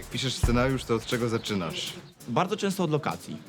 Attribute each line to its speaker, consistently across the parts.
Speaker 1: piszesz scenariusz, to od czego zaczynasz?
Speaker 2: Bardzo często od lokacji.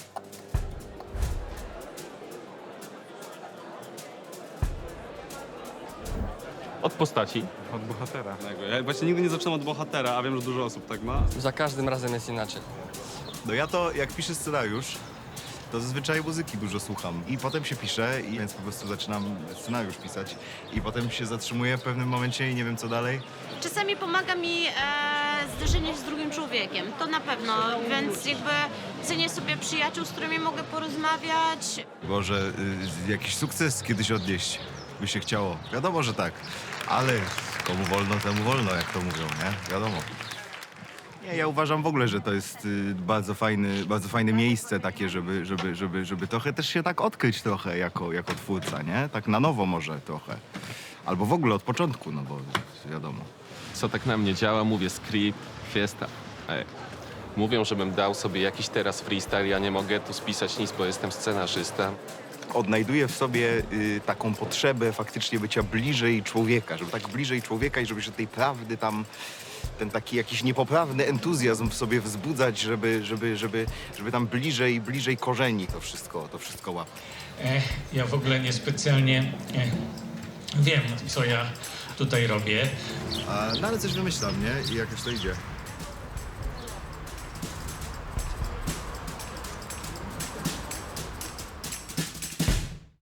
Speaker 3: Od postaci.
Speaker 4: Od bohatera.
Speaker 5: Ja właśnie nigdy nie zaczynam od bohatera, a wiem, że dużo osób tak ma.
Speaker 6: Za każdym razem jest inaczej.
Speaker 1: No ja to, jak piszę scenariusz, to zazwyczaj muzyki dużo słucham. I potem się piszę, więc po prostu zaczynam scenariusz pisać. I potem się zatrzymuję w pewnym momencie i nie wiem co dalej.
Speaker 7: Czasami pomaga mi zderzenie się z drugim człowiekiem, to na pewno, więc jakby cenię sobie przyjaciół, z którymi mogę porozmawiać.
Speaker 1: Może jakiś sukces kiedyś odnieść by się chciało. Wiadomo, że tak. Ale komu wolno, temu wolno, jak to mówią, nie? Wiadomo. Nie, ja uważam w ogóle, że to jest bardzo fajne miejsce takie, żeby trochę też się tak odkryć trochę jako twórca, nie? Tak na nowo może trochę. Albo w ogóle od początku, no bo wiadomo.
Speaker 3: Co tak na mnie działa? Mówię script, fiesta. Ej. Mówią, żebym dał sobie jakiś teraz freestyle, ja nie mogę tu spisać nic, bo jestem scenarzysta.
Speaker 1: Odnajduję w sobie taką potrzebę faktycznie bycia bliżej człowieka, żeby tak bliżej człowieka i żeby się tej prawdy tam, ten taki jakiś niepoprawny entuzjazm w sobie wzbudzać, żeby tam bliżej korzeni to wszystko łapać.
Speaker 8: Ja w ogóle niespecjalnie wiem, co ja tutaj robię.
Speaker 1: No ale coś wymyślam, nie? I jakoś to idzie.